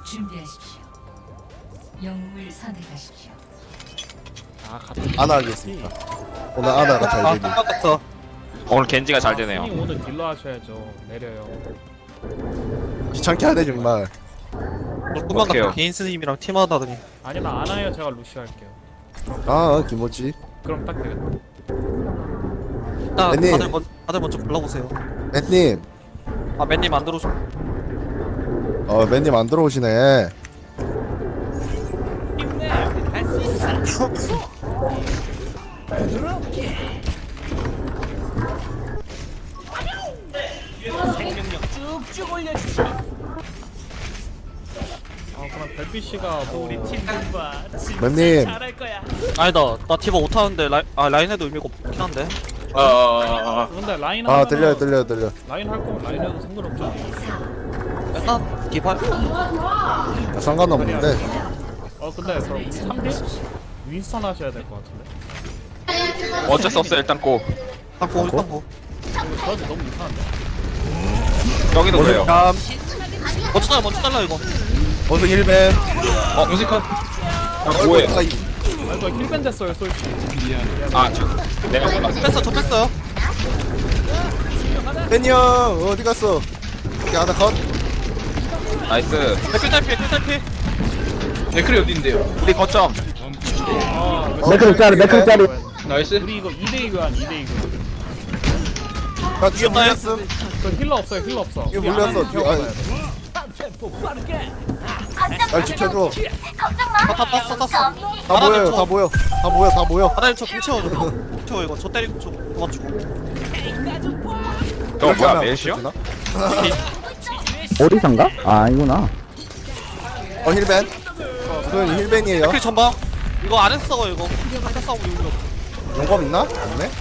준비하십시오. 영웅을 선택하십시오. 아 같은 아나 하겠습니다. 오늘 아나가 잘 되니. 똑같아. 오늘 겐지가 잘 되네요. 형님 오늘 딜러 하셔야죠. 내려요. 귀찮게 하네 정말. 조금만 오케이요. 더 개인 스님이랑 팀하다더니. 아니면 안 와요. 제가 루시 할게요. 아 김모찌. 그럼 딱 되겠다. 일단 맨님. 다들 먼저 불러보세요. 맨님. 아 맨님 안 들어오셔. 맨님 안 들어오시네. 아 그럼 별빛 씨가 뭐 우리 팀 맨님. 아니다. 나 티버 못하는데 라인에도 의미가 없긴 한데. 근데 라인 아 하면은 들려. 라인 할 거면 라인 해도 상관없죠. 일단 기발. 상관없는데. 근데 그럼 3대 윈스턴 하셔야 될 것 같은데. 어쩔 수 없어 일단 고. 일단 고 일단 고. 이거 저한테 너무 이상한데. 여기도 그래요. 감. 먼저 달라 이거. 원숭 1벤. 무식한. 뭐해? 아 이거 힐밴 됐어요 솔직히. 내가 뺐어 저 뺐어요. 벤이 형 어디 갔어? 여기 하나 컷. 나이스. 댓글 탈피. 댓글이 어딘데요? 우리 거점. 매크로짜리 매크로짜리. 나이스. 우리 이거 2대2 교환 2대2 교환. 나 뒤에 물렸음. 저 힐러 없어요 힐러 없어. 이거 물렸어. 뒤에. 날 지켜줘. 다 땄어. 다 보여. 하나님 저 공채워 줘. 채워 이거. 저 때리고 저 그만 주고. 저 뭐야 멜시요? 어디선가? 아 아니구나. 힐벤. 소연이 힐벤이에요. 댓글 전방. 이거 안 했어 이거. 한타 싸우고 이거. 용검 있나? 없네.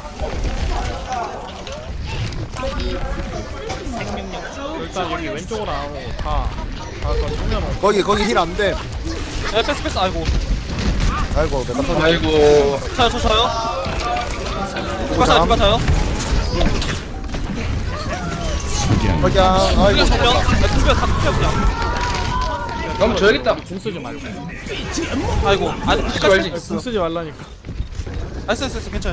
일단 여기 왼쪽으로 나오고 다 정면 없어. 거기 힐 안 돼. 야 뺐어. 아이고. 아이고 내가 터져. 아이고. 저요. 누가 자요? 거기야. 아이고. 이거 정면. 두명 다 투표 그냥. 너무 줘야겠다. 궁 쓰지 말고. 아이고. 아니 쓰지 말지. 궁 쓰지 말라니까. 알았어. 괜찮아.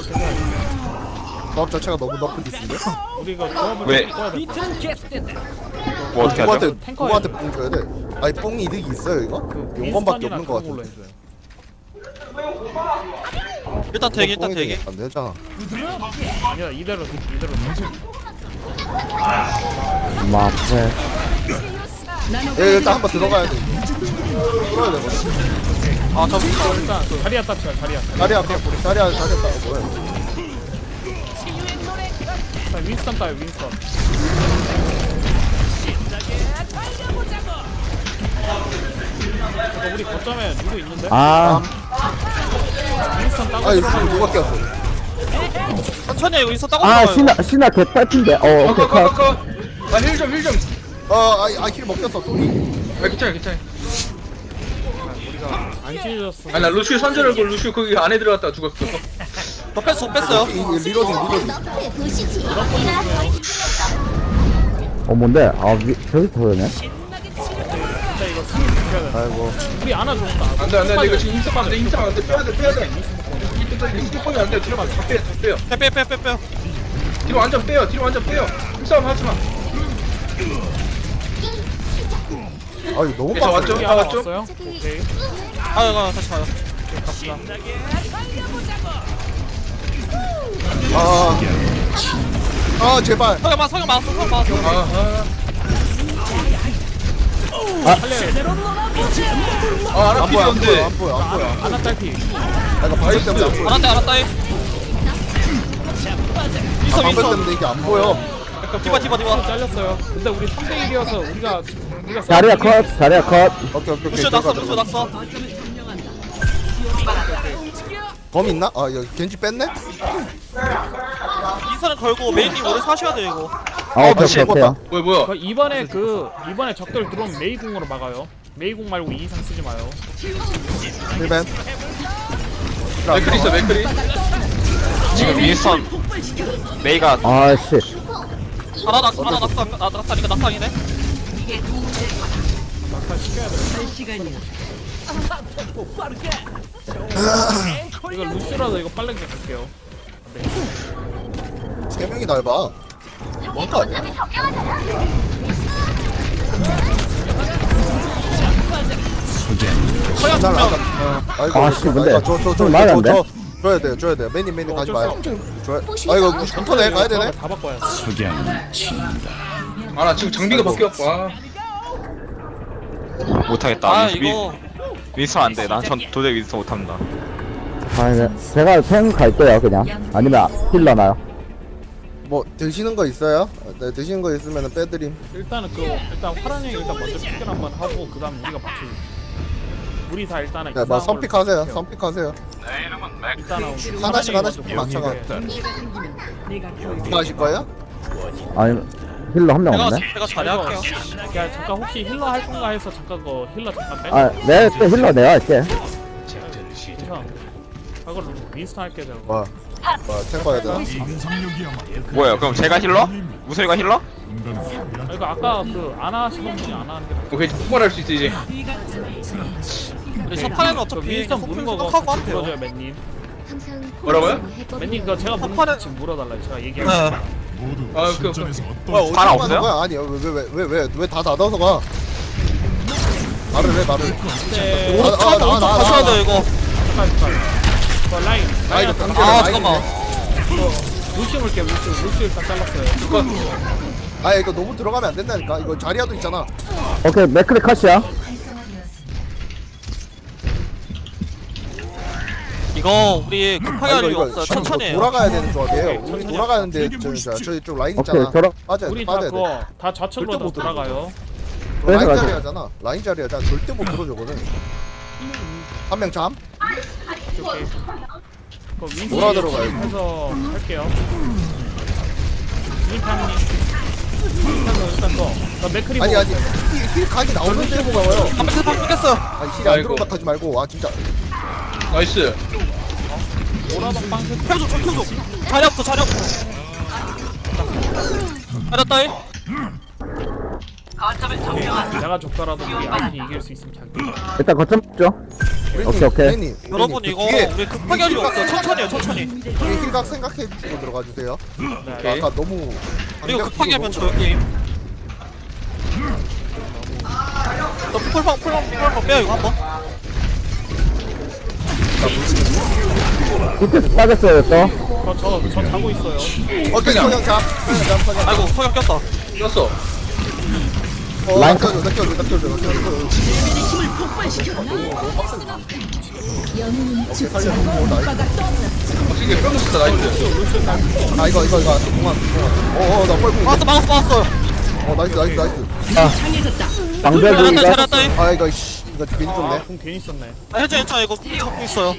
조합 자체가 너무 높은 디스인데? 우리가 조합을 왜? 바꿔야 될 것 같아. 뭐 어떻게 하죠? 누구한테 뽕 줘야 돼? 아니 뽕이 이득이 있어요 이거? 용검밖에 없는 것 같은데. 일단 대기. 안 되잖아. 아니야 이대로. 마페. 일단 한번 들어가야 돼. 들어야 돼. 아 저. 일단 자리야 따치야 자리야. 다리 앞에 다리 따고 뭐야? 자, 윈스턴 따요 윈스턴. 우리 거점에 누구 있는데? 아 윈스턴 따고 아 있어. 이거 누가 꼈어? 천천히 해, 이거 인서 따고 아 들어가요. 신나 개딸핀데. 오케이 컷. 커. 힐 좀. 힐 먹혔어 쏘리. 괜찮아. 안 찢어졌어. 나 루시우 선전하고 루시우 거기 안에 들어갔다가 죽었어. 저 뺐어요. 리로딩. 뭔데? 저기 터졌네. 진짜 이거 승리 지켜야 돼. 아이고. 우리 안아 좋은다. 안돼. 이거 지금 인싸 안 돼. 빼야 돼. 인싸 안 돼. 뒤로 다 빼요. 빼. 뒤로 완전 빼요. 힘싸움 하지 마. 아 이거 너무 그래서 빡세. 왔죠? 우리 다 안아 왔죠? 왔어요? 오케이. 다시 가요. 제발. 성형 맞았어. 아나 안 보여 안 필요한데. 보여. 안아 딸피. 내가 바위 때문에 안 보여. 알았다. 방벽 윈서. 때문에 이게 안 보여. 디바. 잘렸어요. 근데 우리 3대 1이어서 우리가 자리야 컷. 오케이. 루시오 낙서. 검 있나? 여기 겐지 뺐네? 인사는 걸고 메인님 오래 사셔야 돼 이거. 오케이. 뭐야? 이번에 적들 들어오면 메이궁으로 막아요. 메이궁 말고 2 이상 쓰지 마요. 힐벤. 맥크리 있어. 지금 윈스턴 메이가 아씨. 낙사니까 낙상이네. 막타 시켜야 돼. 이거 루시라도 이거 빠르게 갈게요. 세 명이 날 봐. 뭔가 아니야? 잘 나가. 아이고. 아, 씨, 근데 저 말이 안 돼? 줘야 돼. 매님 가지 마요. 줘야. 아이고 99%네 가야 되네. 다 바꿔야 돼. 아 나 지금 장비가 바뀌었어. 못하겠다. 아 이거 윈스턴 안 돼. 난 전 도저히 윈스턴 못합니다. 아, 네. 제가 탱 갈게요, 그냥. 아니면 힐러 나요. 뭐 드시는 거 있어요? 네, 드시는 거 있으면은 빼드림. 일단은 일단 파란 형이 일단 먼저 픽을 한번 하고 그다음 우리가 맞추. 우리 다 일단은 네, 뭐 선픽하세요. 선픽하세요. 일단은 하나씩 맞춰가. 뭐 하실 거예요? 아니, 힐러 한 명 없네. 제가 자리할게요. 야 잠깐 혹시 힐러 할 건가 해서 잠깐 그 힐러 잠깐 빼. 아, 내가 힐러 내가 할게. 괜찮아. 그걸 윈스턴 할게 제가. 뭐 탱거 해야 되나? 뭐예요? 그럼 제가 힐러? 무소리가 힐러? 이거 아까 그 안 하시는 분이 안 하는 게 낫. 오케이 폭발할 수 있어 이제. 우리 첫 판에는 그 어차피 윈스턴 그냥 무는 소품 거 생각하고 하면 물어줘요 돼요. 맨님. 뭐라고요? 맨님 그거 제가 무는 거 지금 물어달라요. 제가 얘기해. 네. 아 그. 뭐야 잘 어디로 없어요? 가는 거야? 아니 왜 다 닫아서 가? 말을 해 말을. 네. 오른쪽 가셔야 돼요 이거. 잠깐. 라인. 라이드 라인. 단계를 아 잠깐만. 루시 물게 루시 일단 잘랐어요. 아 이거 너무 들어가면 안 된다니까. 이거 자리아도 있잖아. 오케이, 맥크리 컷이야. 이거 우리 급하게 할 이유 없어요. 지금 천천히 해요. 돌아가야 되는 조합이에요. 우리 천천히 돌아가는데 저희 좀 라인 오케이, 있잖아. 돌아. 우리 다 빠져야 돼. 그거 다 좌측으로 절대 다 못 돌아가요. 라인 그래서 가자. 자리하잖아. 라인 자리하잖아. 절대 못 들어주거든. 한 명 잠. 오케이. 그 윈스턴 돌아 들어가요. 해서 할게요. 윈스턴님. 윈스턴 일단 거. 맥크리 아니 보고. 아니 힐 각이 나오는데 보고 가요. 한 번째 방 뺏겼어요. 아니 힐이 안 아이고. 들어온 것 하지 말고. 아 진짜. 나이스. 오라방 빵 펴줘 저 펴줘. 자리 없어 자리 없어. 알았다 이. 내가 줬더라도 우리 아군이 이길 수 있으면 자기. 일단 거점 죠 오케이, 오케이. 님 여러분 이거 우리 급하게 할 이유 없어요. 천천히 해요 천천히. 힐각 생각해주고 들어가 주세요. 네. 아까 너무. 그리고 급하게 하면 져요 게임. 너 풀방 빼요 이거 한번. 밑에 빠졌어요, 또. 저 자고 있어요. 오케이 성형 잠. 성형. 아이고 소경 꼈다. 꼈어. 라인 낚여줘. 오케이 살려. 확실히 뼈 먹었다 나이스. 아 이거 공항. 나 뻘궁. 막았어. 나이스. 방벽이가 잘했다 이. 아 이거 괜히 좁네. 공 괜히 썼네. 아 괜찮아 이거 잡고 있어요.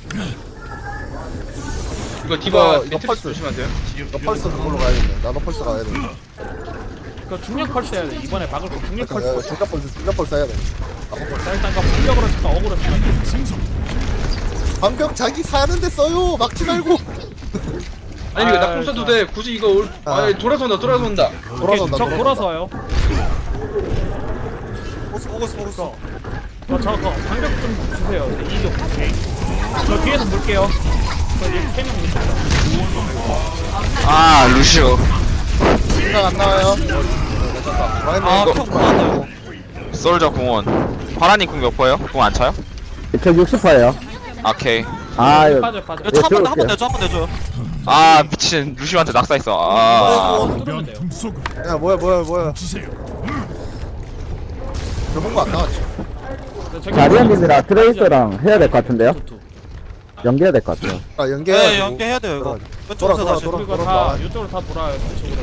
이거 디바 이거 매트리스 펄스. 조심하세요. 너 펄스 그걸로 가야겠네. 나도 펄스 가야 돼. 그 중력 펄스 해야 돼. 이번에 박을 거 중력 펄스. 중간 펄스 해야 돼. 자 일단 그 공격으로 잠깐 억울해. 방벽 자기 사는데 써요. 막지 말고. 아니 이거 낙품 써도 돼. 굳이 이거 아니 돌아선다. 돌아선다. 저 돌아서 와요. 보고 있어. 저거 방벽 좀 주세요. 이쪽 오케이. 저 뒤에서 볼게요. 저 이제 3명 있습니다. 아 루시오. 생각 안 나와요. 아 이거 형 뭐하나요? 솔저 공원. 파라님 궁 몇 퍼예요? 궁 안 차요? 저 60%예요. 오케이. 아, 이거 빠져. 이거 차한번 내줘 한번 내줘요. 아 미친 루시오한테 낙사했어. 아. 뚫으면 돼요. 야 뭐야. 저본 거안 나왔지. 자리언님이랑 트레이서랑 해야 될 것 같은데요? 연계해야 될 것 같아요. 아 네 연계해가지고. 연계해야 돼요 이거. 돌아, 왼쪽에서 다시. 돌아. 그리고 다 이쪽으로 다 돌아요. 저쪽으로.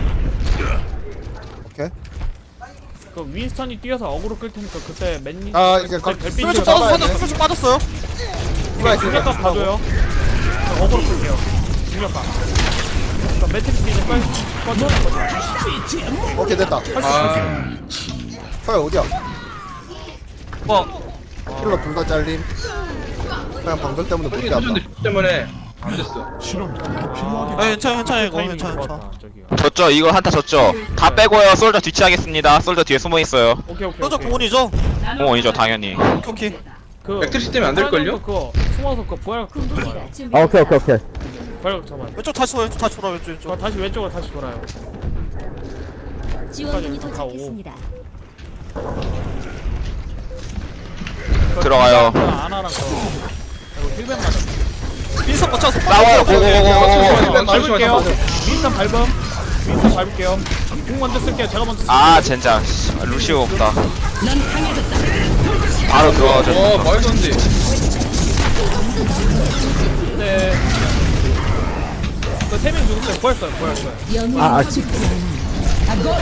오케이. 그 윈스턴이 뛰어서 어그로 끌 테니까 그때 맨니. 아, 이제 별빛 슬쩍 좀 잡아야 돼. 풀쭉 빠졌어요. 중력값 봐줘요. 저 어그로 끌게요. 중력값. 그 매트리스 이제 빨리 꺼줘. 오케이 됐다. 아 서야 어디야? 뭐 힐러 둘 다 잘림. 그냥 방벽 때문에 못 솔직히 잡다. 도전대 때문에 안 됐어. 아 괜찮아 이거 타이밍이 괜찮아. 좋았다, 저기가. 졌죠. 이거 한타 졌죠. 다 빼고요. 솔저 뒤치하겠습니다. 솔저 뒤에 숨어 있어요. 오케이 오케이. 솔저 오케이. 공원이죠? 공원이죠 당연히. 오케이. 그 맥트리스 때문에 안 될걸요? 그거 숨어서 그거 부활 그거 좋아요. 아 오케이 오케이 오케이. 부활 잡아요. 왼쪽 다시 돌아 왼쪽 저 다시 왼쪽으로 다시 돌아요. 지원군이 다 오고. 도착했습니다. 들어가요. 아나랑 저 이거 힐백 맞아. 민선 맞춰서 싸워요. 고고고고고. 밟을게요. 윈스턴 밟음. 윈스턴 밟을게요. 궁 먼저 쓸게요. 제가 먼저 쓸게요. 아 젠장. 루시오 없다. 바로 들어가죠. 말도 안 돼. 네. 그 세명 죽었어요. 부활했어요. 영웅이 아, 아. 죽지 않아.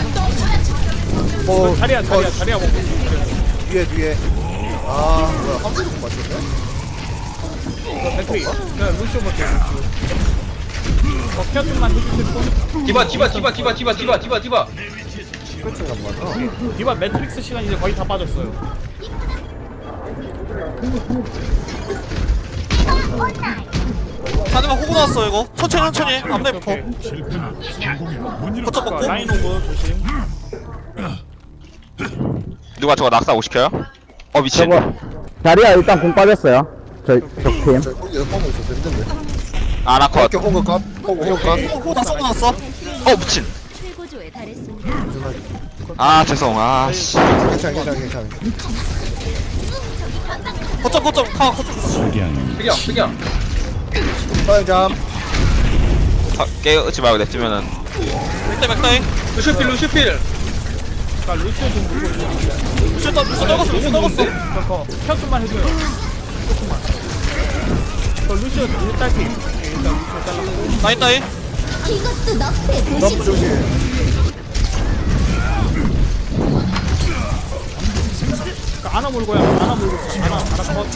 뭐 자리야 먹고. 뒤에 아 뭐야 한 번도 못 맞췄네? 백트리. 그냥 루시오 볼게요. 루시오. 케어 좀만 해주실 분? 디바. 그렇지 안 맞아 디바 매트릭스 시간 이제 거의 다 빠졌어요. 하지만 호구 나왔어 이거. 천천히 앞내부터. 거점 먹고. 라인 오브 조심. 누가 저거 낙사 5시켜요? 미친. 저거 자리야 일단 공 빠졌어요. 저팀. 저 거기 뻥고 있어 힘든데 아나컷. 이렇게 호그 컷 호그 컷 호구 나왔어. 미친. 최고조에 달했습니다. 아 죄송. 아씨. 괜찮아 거점 거점. 그냥. 빨잠 깨우지 말고 냅두면은. 맥다이. 루시필. 그러니까 루시오 좀 물고 있어요. 루시 떨궜어. 그거 케어 좀만 해줘요. 조금만. 저 루시오 일딸기. 일단 루시오 잘랐고. 라인 따위. 이것도 너프의 너프 도시지. 조심 그러니까 아나 물고요. 아나 컷.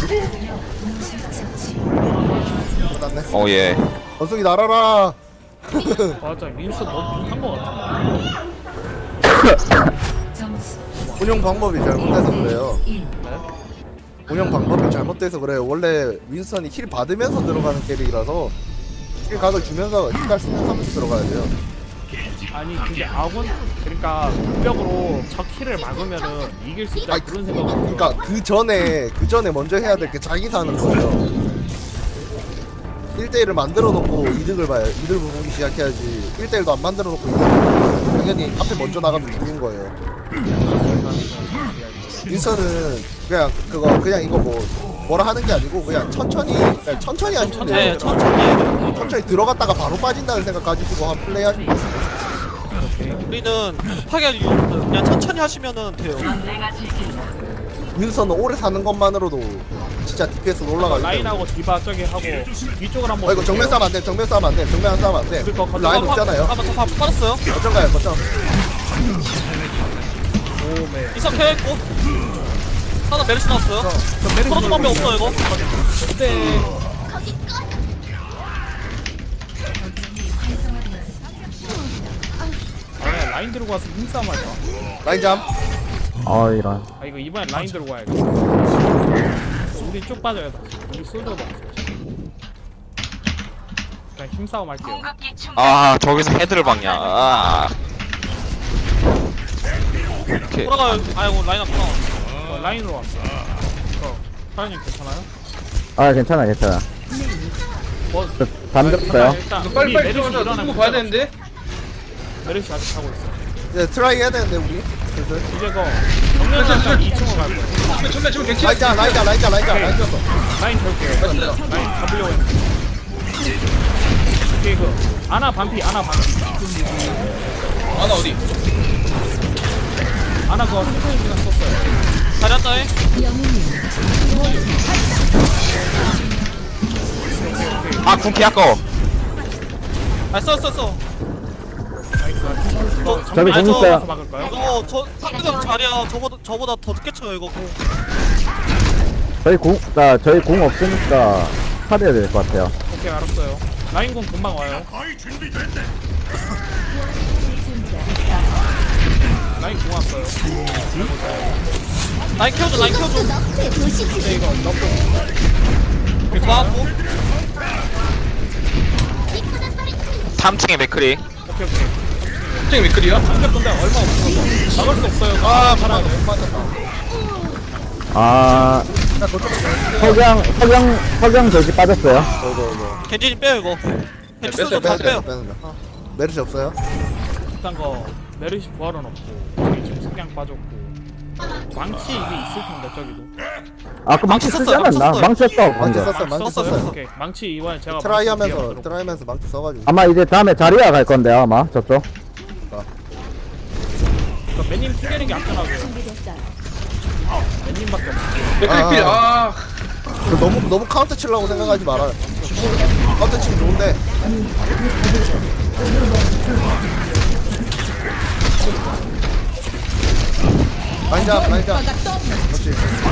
끝났네 예. 원숭이 날아라 맞아. 민스 너무 한거 같아. 점수 운영 방법이 잘못돼서 그래요 1. 운영 방법이 잘못돼서 그래요 원래 윈스턴이 힐 받으면서 들어가는 캐릭이라서 힐 각을 주면서 힐갈 생각하면서 들어가야 돼요 아니 그게 아군 그러니까 무력으로 적 힐을 막으면은 이길 수 있다 아니, 그런 생각을. 그러니까 그 전에 먼저 해야 될 게 자기 사는 거예요 1대1을 만들어 놓고 이득을 봐요 이득을 보기 시작해야지 1대1도 안 만들어 놓고 이득을 보면 당연히 앞에 먼저 나가면 죽는 거예요 윈스턴은 그냥 이거 뭐라 하는 게 아니고 그냥 천천히 하시면 돼요 네 천천히. 천천히 들어갔다가 바로 빠진다는 생각 가지고 한 플레이 하시면 돼요 우리는 파괴 그냥 천천히 하시면은 돼요. 윈스턴은 오래 사는 것만으로도 진짜 DPS가 올라가요 라인하고 디바 저기 하고 위쪽을 한번. 이거 정면 싸면 안돼 정면 싸면 안돼 정면 싸면 안돼 그거 라인 없잖아요 다 빨았어요. 어쩐가요 거점 오메. 이석 해했고. 하나 메르시 나왔어요. 저 메르시 풀어줄 방법 없어 이거. 그때 아 라인 들고 와서 힘싸움 하자. 라인잠 이런. 아 이거 이번엔 라인 들고 와야겠다. 우리 쭉 빠져야 돼. 우리 솔더도 없어. 그냥 힘싸움 할게요. 저기서 헤드를 박냐. 오케이. 돌아가요. 아이고 라인 앞으로. 라인으로 왔어. 사장님 괜찮아요? 아 괜찮아. 뭐 담 줬어요. 일단 이거 우리 빨리 메르시 들어가자. 일어나면 누구 봐야 되는데? 메르시 아직 하고 있어. 이제 트라이 해야 되는데 우리 슬슬. 이제 거 정면상 2층으로 갈 거야. 정면 갱치. 라인잠 라인 줬어 라인 절게요. 라인 잡으려고 했는데. 오케이 그 아나 반피. 아나 어디? 아나 그거 생존 시간 썼어요. 잘했다이. 궁키 아까워. 써. 저기 공 있어요. 막을까요? 이거 저 상대방 자리야. 저보다 더 늦게 쳐요 이거. 저희 공 없으니까 살해야 될 것 같아요. 오케이 알았어요. 라인공 금방 와요. 라인 공 왔어요. 라인 키워줘. 너프의 도시지. 근데 이거 너무 나왔고. 3층에 맥크리. 오케이. 갑자기 맥클이야? 방벽 근데 얼마 없어. 막을 수 없어요. 아 살아야 돼. 못 맞았다. 아 나 거점 석양 돼지 빠졌어요. 겐지님 빼요 이거. 겐지 솔저 다 빼요. 메르시 없어요? 일단 거 메르시 부활은 없고 저기 지금 석양 빠졌고 망치 이게 있을 텐데 저기도. 아그 망치 쓰지 썼어요, 않았나? 썼어요. 망치 썼어 망치 방금. 썼어요. 망치 썼어요. 썼어요. 오케이. 망치 이번에 제가 트라이 망치 하면서 기억으로. 트라이 하면서 망치 써가지고. 아마 이제 다음에 자리야 갈 건데요 아마 저쪽. 그러니까 맨님 튕기는 게 안전하고요. 맨님밖에 없어. 맥클이 필. 아. 그 너무 카운터 치려고 생각하지 말아요. 카운터 치면 좋은데. 라인잡. 그렇지.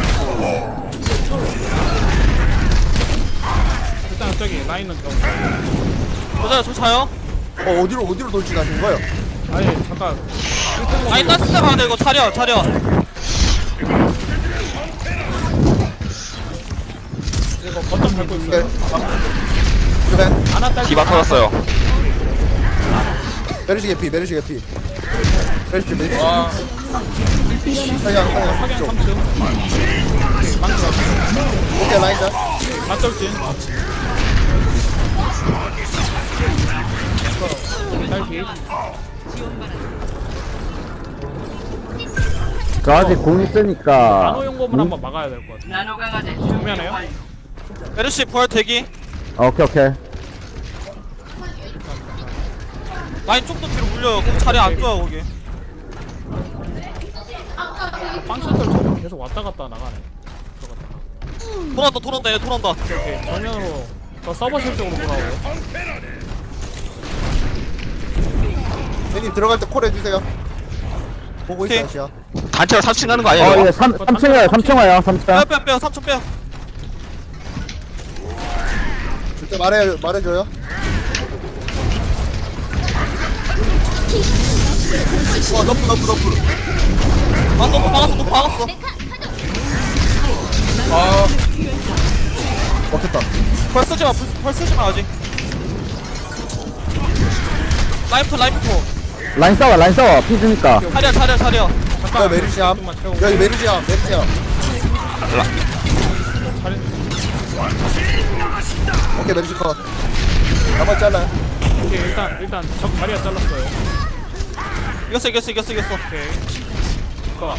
일단 저기 라인은 좀. 맞아요, 저 자요. 어디로 돌진하신 거예요? 아니 잠깐. 아니 딴 데가 가야 돼 이거 차려. 이거 거점 밟고 네. 있어요. 그래. 하나 딸. 디바 터졌어요. 메르시 개피. 메르시. 와. 사냥. 석양 3층. 망치 오케이 라인잡. 맞돌진. 딸기. 저 아직 공 있으니까. 나노 용검을 한번 막아야 될 것 같아. 정면에요? 메르시 부활 대기. 오케이. 라인 좀 더 뒤로 물려요. 거기 자리 안 좋아요 거기. 빵셔틀 저거 계속 왔다 갔다 나가네. 돌아온다 얘 돌아온다. 오케이. 정면으로 저 서버실 쪽으로 돌아오고. 형님 들어갈 때 콜 해주세요. 보고 있어 오케이. 아시야. 단체로 3층 가는 거 아니야? 어 이거? 예 3층 와요 3층 와요 3층. 빼요 3천 빼요. 줄때 말해줘요. 너프. 아 너무 박았어. 아. 먹혔다. 벌 쓰지 마 아직. 라이프 라인 싸워 피즈니까. 차려. 야 메르시암. 조금만 채우고. 여기 메르시암. 오케이 메르시 컷. 나머지 잘라요. 오케이 일단 적 자리가 잘랐어요. 이겼어. 오케이. 거.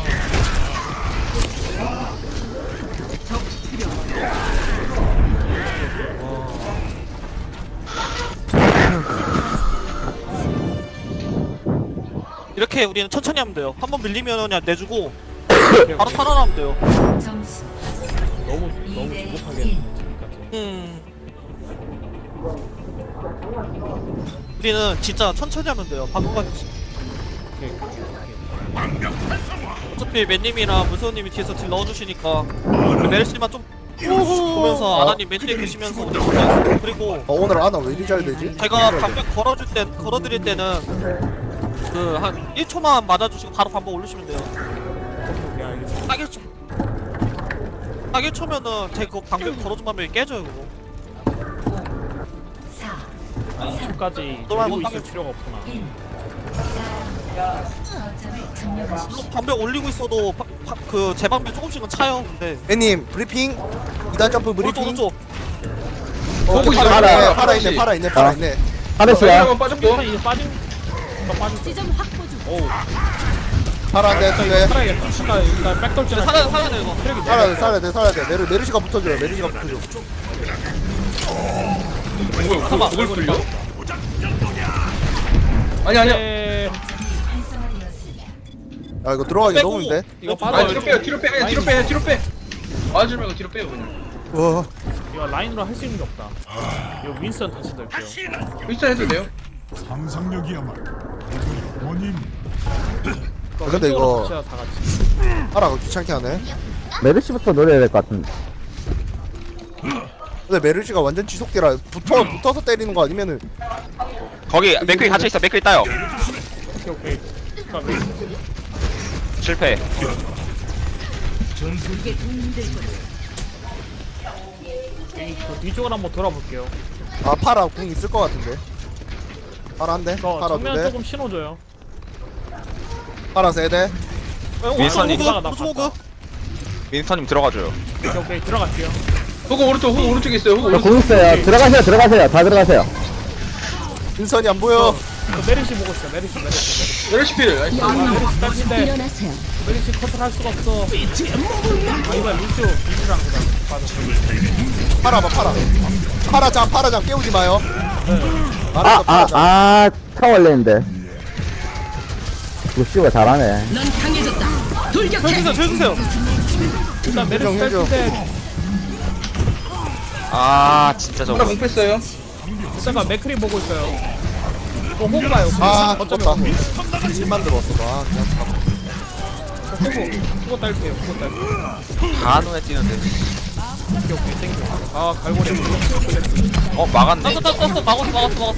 이렇게 우리는 천천히 하면 돼요. 한 번 밀리면 그냥 내주고 바로 탈환하면 돼요. 점수 너무 2대 조급하게 1. 우리는 진짜 천천히 하면 돼요. 방금 같이. 오케이. 어차피 맨님이랑 무서우님이 뒤에서 딜 넣어주시니까 우리 메르시만 좀 보면서 아나님 맨뒤에 계시면서 우리 보면 그리고 오늘 아나 왜 이리 잘 되지? 제가 방벽 걸어드릴 때는 그 한 1초만 맞아주시고 바로 반복 올리시면 돼요. 오케이 알겠어. 딱 1초. 딱 1초면은 제가 그 방벽 걸어준 방벽이 깨져요 그거. 4 10까지 또 한번 돌리고 있을 땅에 필요가 없구나. 1. 거점을 점령하십시오. 물론 방벽 올리고 있어도 그 재방벽 조금씩은 차요. 근데 애님 브리핑. 2단 점프 브리핑. 오른쪽 보고 있어. 팔아있네. 하르시야. 한번 빠졌고. 일단 이제 빠진 지점 확보 중. 오우. 팔아인데 일단 이거 살아야겠다. 일단 백돌진 살아야 돼 이거. 트랙이 살아야 돼. 메르시가 붙어줘요. 뭐야? 그걸 뚫려? 아니야. 네. 활성화되었습니다. 아 이거 들어가기 빼고. 너무 힘든데? 이거 아 빠져. 뒤로 빼요. 뒤로 빼. 맞을 말고 뒤로 빼요 그냥. 와. 이거 라인으로 할 수 있는 게 없다. 이거 윈스턴 다시 넣을게요. 일단 해도 돼요. 상상력이야말로 원인 근데 이거 다 같이. 팔아가 귀찮게 하네. 메르시부터 노려야 될 것 같은데. 근데 메르시가 완전 지속대라. 붙어서 때리는 거 아니면은 거기 맥크리 갇혀있어. 맥크리 따요. 오케이. 그러니까 실패. 그 뒤쪽을 한번 돌아볼게요. 아 팔아 궁 있을 것 같은데. 파라 한대. 이거 파라 정면 2대. 조금 신호줘요. 파라 3대. 윈스턴님. 호그가 나 호그 봤다. 윈스턴님 들어가줘요. 오케이 들어갈게요. 호구 오른쪽에 있어요. 호구 저 오른쪽. 공 있어요. 들어가세요. 다 들어가세요. 윈선이 안 보여. 저 메리시 보고 있어. 메리시. 레시피를. 나이스. 메리시 딸인데 일어나세요. 메리시 커트를 할 수가 없어. 아 이거 루시오 비주랑 그다. 맞아. 파라 봐 파라. 파라장 깨우지 마요. 아, 알았어 파라장. 타워 올리는데. 루시오가 잘하네. 넌 강해졌다. 돌격해. 해주세요. 일단 메리시 해줘. 딸인데 아 진짜 파라 저거. 공 뺐어요. 일단가 맥크리 보고 있어요. 이거 호그 봐요. 아 어쩌면 죽었다. 호그. 실 만들었어. 아 그냥 호그 딸게요. 호그 딸게요. 다 눈에 띄는데. 오케이 땡큐. 아 갈고리. 어 막았네. 떴어. 막았어.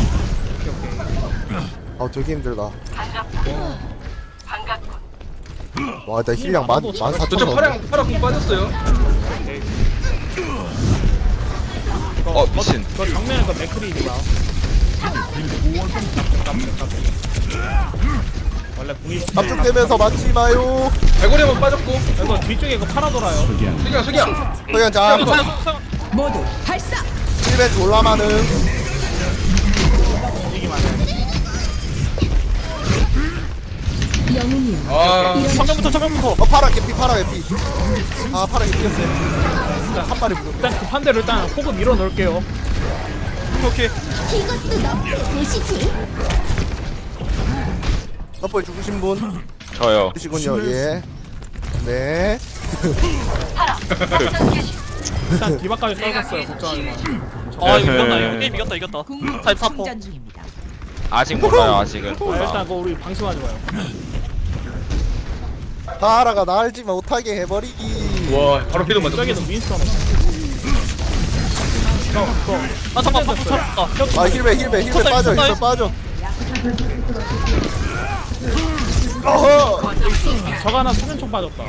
아 되게 힘들다. 와, 나 힐량 14,000 저쪽 넣었네. 파라 공 빠졌어요. 어 미친. 저 정면에 그 맥크리가 원래 궁이 압축되면서 맞지 마요. 갈고리 한번 빠졌고. 이거 뒤쪽에 그 파라 돌아요. 석양. 그냥 자, 모두 발사. 1배 졸라 많음. 이기만 해. 영웅이여. 아. 정면부터. 파라 개피. 아, 파라 개피였어요. 한 마리 물어. 일단 급한 대로 일단 호그 밀어 넣을게요. 오케이. 이것도 너 보시지. 덮어 죽으신 분 저요. 계시군요. 예. 네. 일단 디바까지 떨궜어요. 걱정하지 마. 아 이거 이겼다. 게임 이겼다. 44%. 중입니다. 아직 몰라요 아직은. 아, 일단 그거 우리 방심하지 마요. 파라가 날지 못하게 해버리기. 와, 바로 피도 맞았어. 저기도 윈스턴 없어. 아 잠깐 방금 쳤다. 아, 힐배 빠져. 어허. 저거 하나 수면총 빠졌다.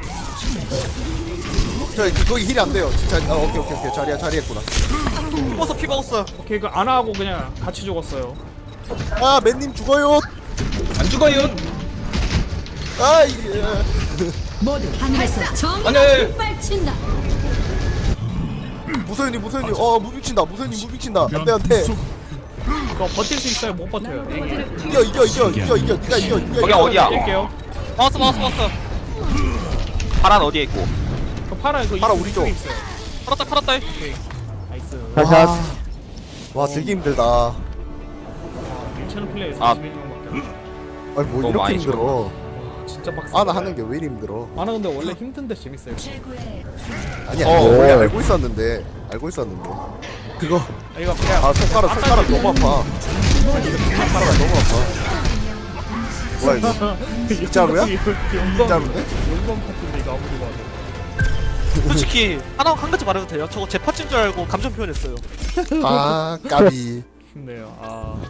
거기 힐이 안 돼요. 진짜. 아, 오케이. 자리했구나. 피 먹었어요. 오케이 그 안 하고 그냥 같이 죽었어요. 아, 맨님 죽어요. 안 죽어요. 아, 이게. 모두 하늘에서 정의가 아니. 빗발친다. 무소연이. 무빙친다. 안돼. 이거 버틸 수 있어요? 못 버텨요. 이겨. 니가 이겨. 거기 어디야? 뛸게요. 막았어. 파란 어디에 있고? 그 파라 이거 파라 우리 쪽. 있어요. 팔았다. 나이스. 샷. 와, 되게 힘들다. 괜찮은 플레이에서 아. 21명밖에 안 아니, 뭐 너무 이렇게 많이 힘들어. 진짜 빡세. 아나 하는 게 왜 이리 힘들어? 아나 근데 원래 힘든데 재밌어요. 최고의 아니야. 어. 원래 알고 있었는데. 그거. 아, 이거 그냥 아, 손가락 너무 아파. 손가락 너무 아파. 뭐야 이거? 진짜로야? 진짜로인데? 용검 파트인데 이거 아무리 봐도. 솔직히 한 가지 말해도 돼요? 저거 제 파츠인 줄 알고 감정 표현했어요. 아, 까비. 힘내요. 아.